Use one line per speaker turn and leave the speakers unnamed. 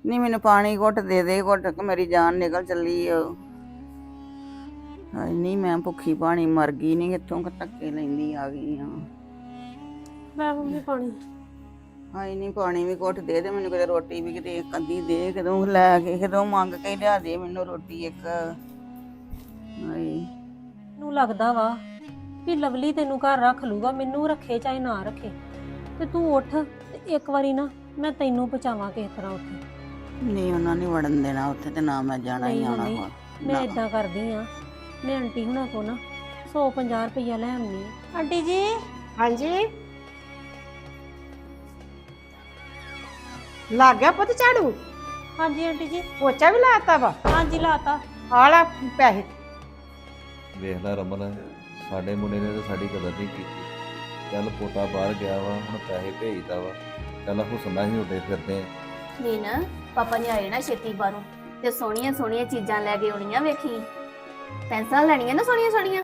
ਨਹੀਂ ਮੈਨੂੰ ਪਾਣੀ ਘੁੱਟ ਦੇ ਦੇ, ਘੁੱਟ ਕੇ ਮੇਰੀ ਜਾਨ ਨਿਕਲ ਚੱਲੀ ਓ। ਹਾਏ ਨਹੀਂ ਮੈਂ ਭੁੱਖੀ ਪਾਣੀ ਮਰ ਗਈ, ਨਹੀਂ ਕਿੱਥੋਂ ਧੱਕੇ ਲੈਂਦੀ ਆ ਗਈ ਆ।
ਲੈ ਮੰਮੀ ਪਾਣੀ।
ਹਾਏ ਨਹੀਂ ਪਾਣੀ ਵੀ ਘੁੱਟ ਦੇ ਮੈਨੂੰ, ਕਿਤੇ ਰੋਟੀ ਵੀ ਕਿਤੇ ਇੱਕ ਅੱਧੀ ਦੇ, ਕਦੋਂ ਲੈ ਕੇ ਕਦੋਂ ਮੰਗ ਕੇ ਲਿਆ ਦੇ ਮੈਨੂੰ ਰੋਟੀ ਇੱਕ। ਹਾਏ
ਮੈਨੂੰ ਲੱਗਦਾ ਵਾ ਵੀ ਲਵਲੀ ਤੈਨੂੰ ਘਰ ਰੱਖ ਲੂਗਾ, ਮੈਨੂੰ ਰੱਖੇ ਚਾਹੇ ਨਾ ਰੱਖੇ, ਤੇ ਤੂੰ ਉੱਠ ਤੇ ਇੱਕ ਵਾਰੀ ਨਾ ਮੈਂ ਤੈਨੂੰ ਪਹੁੰਚਾਵਾਂ ਕਿਸੇ ਤਰ੍ਹਾਂ ਉੱਥੇ।
ਨਹੀਂ ਉਹਨਾਂ ਨੇ ਵੜਨ ਦੇਣਾ ਉੱਥੇ, ਤੇ ਨਾ ਮੈਂ ਜਾਣਾ ਹੀ ਆਉਣਾ ਵਾ।
ਮੈਂ ਇਦਾਂ ਕਰਦੀ ਆ, ਮੈਂ ਆਂਟੀ ਹੁਣਾਂ ਕੋ ਨਾ 150 ਰੁਪਈਆ ਲੈ ਆਉਣੀ ਆ। ਆਂਟੀ ਜੀ।
ਹਾਂਜੀ ਲੱਗ ਗਿਆ ਪੁੱਤ ਝਾੜੂ?
ਹਾਂਜੀ ਆਂਟੀ ਜੀ।
ਪੋਚਾ ਵੀ ਲਾਤਾ ਵਾ?
ਹਾਂਜੀ ਲਾਤਾ।
ਆ ਲੈ ਪੈਸੇ।
ਵੇਖ ਲੈ ਰਮਨ, ਸਾਡੇ ਮੁੰਡੇ ਨੇ ਤਾਂ ਸਾਡੀ ਕਦਰ ਨਹੀਂ ਕੀਤੀ। ਚੱਲ ਪੋਤਾ ਬਾਹਰ ਗਿਆ ਵਾ, ਹੁਣ ਪੈਸੇ ਭੇਜਦਾ ਵਾ, ਚੱਲ ਹੁਸਨਾ ਹੀ ਉੱਡੇ ਫਿਰਦੇ ਆ।
ਨਹੀਂ ਨਾ ਪਾਪਾ ਨੇ ਆਏ ਨਾ ਛੇਤੀ ਬਾਹਰੋਂ ਤੇ ਸੋਹਣੀਆਂ ਸੋਹਣੀਆਂ ਚੀਜ਼ਾਂ ਲੈ ਕੇ ਆਉਣੀਆਂ। ਵੇਖੀ ਪੈਨਸਲਾਂ ਲੈਣੀਆਂ ਨਾ ਸੋਹਣੀਆਂ ਸੋਹਣੀਆਂ।